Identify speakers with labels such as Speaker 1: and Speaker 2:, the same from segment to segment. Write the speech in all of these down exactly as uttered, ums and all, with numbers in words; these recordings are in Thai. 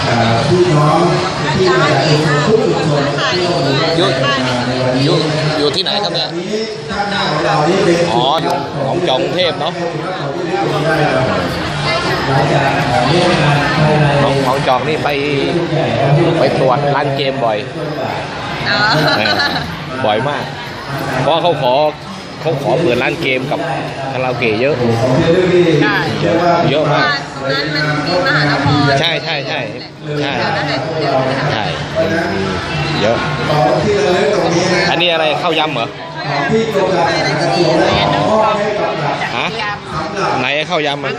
Speaker 1: พี่น้องที่มาจากทุกชุมชนอยู่
Speaker 2: อยู่อยู่ที่ไหนครับเนี่ยอ๋อของจองเทพเนาะของของจองนี่ไปไปตรวจร้านเกมบ่อยบ่อยมากเพราะเขาขอเขาขอเปิดร้านเกมกับคาราโอเกะเยอะเยอะเยอะมากใช่ใช่ใช่ใช่ใช่เยอะอันนี้อะไรข้าวยำเหรอฮะไหนข้าวยำอ่ะ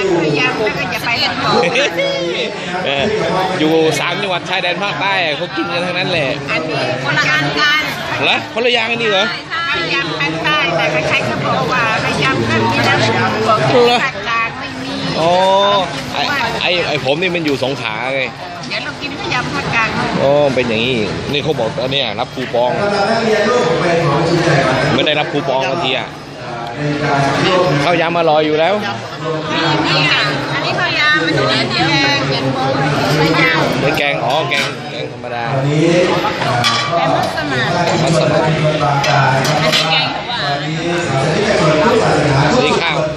Speaker 2: อยู่สามจังหวัดชายแดนภาคใต้เขากินกันทั้งนั้นแหละ
Speaker 3: อันนี้คนละอันกัน
Speaker 2: เหรอคนละอย่างกันนี่เหรอ
Speaker 3: ข้าวยำภาคใต้แต่ใครๆก็บอกว่าข้าวยำแบบนี้นะบอกภาคกลางไม่มี
Speaker 2: อ๋อไอไอไอผมนี่มันอยู่สงขลาไง
Speaker 3: เดี๋ยวเรากินข้าวยำภาคกลาง
Speaker 2: อ๋อเป็นอย่างนี้นี่เขาบอกตอนนี้รับคูปองไม่ได้รับคูปองบางทีอ่ะข้าวยำอร่อยอยู่แล้ว
Speaker 3: นี่ค่ะอันนี้ข้าวยำมันเป็นแกงแกงโป๊ะไม่ยาว
Speaker 2: เป็นแกงอ๋อแกงแกงธรรมดา
Speaker 3: แกงมัสมั่น
Speaker 2: มัสมั่น
Speaker 3: อันนี้แกงหวาน
Speaker 2: นี่ข้าว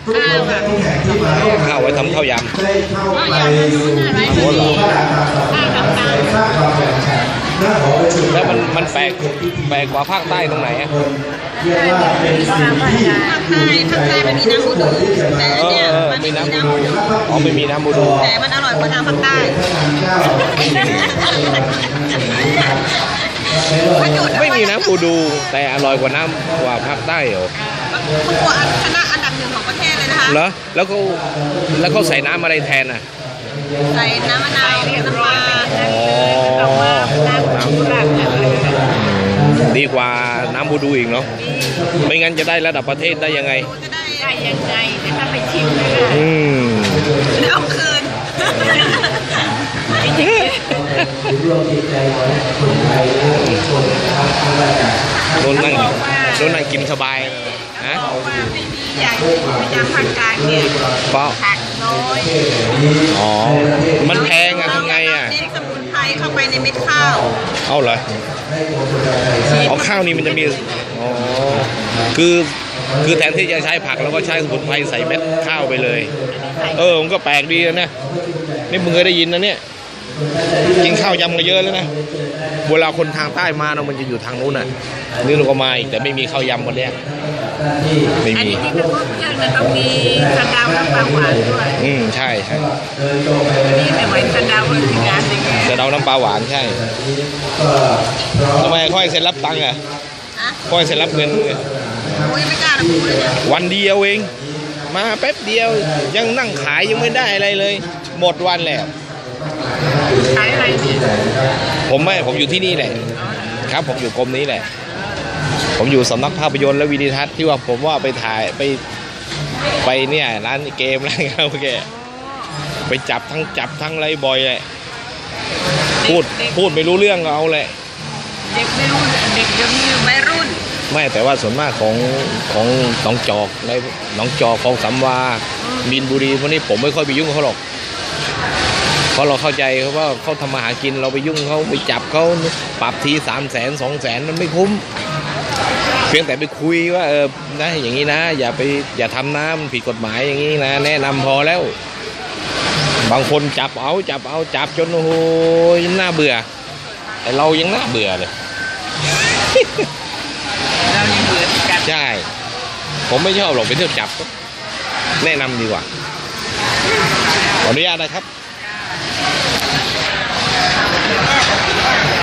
Speaker 2: ข้าวไว้ทำข้าวยำ
Speaker 3: ข้าวยำมันนู่นอะไรไม่มีข้าวกับตัง
Speaker 2: แล้วมันมันแปลกแปลกกว่าภาคใต้ตรงไหนอ่ะ
Speaker 3: ภาคใต้ภาคใต้มันมีน้ำบูดูแต่อันเนี้ยมันไม่มีน้ำบูดู
Speaker 2: อ๋อไม่มีน้ำบูดู
Speaker 3: แต่มันอร่อยกว่าทางภาคใต้
Speaker 2: ไม่มีน้ำบูดูแต่อร่อยกว่าน้ำกว่าภาคใต้เหรอ
Speaker 3: มันกว่าคณะอันดับหนึ่งของประเทศเลยนะคะ
Speaker 2: เหรอแล้วเขาแล้วเขาใส่น้ำอะไรแทนอ่ะ
Speaker 3: ใส่น้ำมะนาวน้ำปลา
Speaker 2: อ๋อ
Speaker 3: น้ำชูรส
Speaker 2: ดีกว่าน้ำบูดูอีกเนาะไม่งั้นจะได้ระดับประเทศได้ยังไง
Speaker 3: จะได้ได้ยังไงจะถ้าไปชิมเลย
Speaker 2: อืม
Speaker 3: เอาคืน
Speaker 2: โดนนั่งโดนนั่งกินสบายฮะ
Speaker 3: ใหญ่พยายามภาคกลางเนี่ยผักน้อย
Speaker 2: อ๋อมันแพงอะทำไงอะ
Speaker 3: เน้นสมุนไพรเข้าไปในเม็ดข้าว
Speaker 2: เอาเหรอเอาข้าวนี่มันจะมีอ๋อคือคือแทนที่จะใช้ผักแล้วก็ใช้สมุนไพรใส่เม็ดข้าวไปเลยเออมันก็แปลกดีนะนี่มึงเคยได้ยินนะเนี่ยกินข้าวยำกันเยอะแล้วนะเวลาคนทางใต้มาเนาะมันจะอยู่ทางนู้นน่ะนี่เราก็มาอีกแต่ไม่มีข้าวยำคนเนี้ยไม่มี
Speaker 3: อันนี้ที่เขาเยอะนะต้องมีสะเดาน้ำปลาหวานด้วย
Speaker 2: อืมใช่ใช่
Speaker 3: นี่แต่ไว้สะเดาเลยถึงงานอย่างเงี้ย
Speaker 2: สะเดาน้ำปลาหวานใช่ทำไมค่อยเซ็นรับตังค์อ่ะค่อยเซ็นรับเงินเลย
Speaker 3: ไม่กล้าพูดเลยเนี่ย
Speaker 2: วันเดียวเองมาแป๊บเดียวยังนั่งขายยังไม่ได้อะไรเลยหมดวันแล้ว
Speaker 3: ขายอะไรเนี่ย
Speaker 2: ผมไม่ผมอยู่ที่นี่แหละครับผมอยู่กรมนี้แหละผมอยู่สำนักภาพยนตร์และวิดีทัศน์ที่ว่าผมว่าไปถ่ายไปไปเนี่ยร้านเกมร้านคาราโอเกะไปจับทั้งจับทั้งอะไรบ่อยเลยพูดพูดไม่รู้เรื่องก็เอาแหละ
Speaker 3: เด็กไม่รุ่นเด็กยังมีไม่รุ่น
Speaker 2: ไม่แต่ว่าส่วนมากของของหนองจอกในหนองจอกของสำวามีนบุรีพวกนี้ผมไม่ค่อยไปยุ่งเขาหรอกเพราะเราเข้าใจเขาว่าเขาทำมาหากินเราไปยุ่งเขาไปจับเขาปรับทีสามแสนสองแสนมันไม่คุ้มเพียงแต่ไปคุยว่าเออนะอย่างนี้นะอย่าไปอย่าทำน้ำผิดกฎหมายอย่างนี้นะแนะนำพอแล้วบางคนจับเอาจับเอาจับจนโอ้โหน่าเบื่อแต่เรายังน่าเบื่อเลย
Speaker 3: เรายังเบื่อจับ
Speaker 2: ใช่ผมไม่ชอบหรอกไปเที่ยวจับแนะนำดีกว่าขออนุญาตนะครับ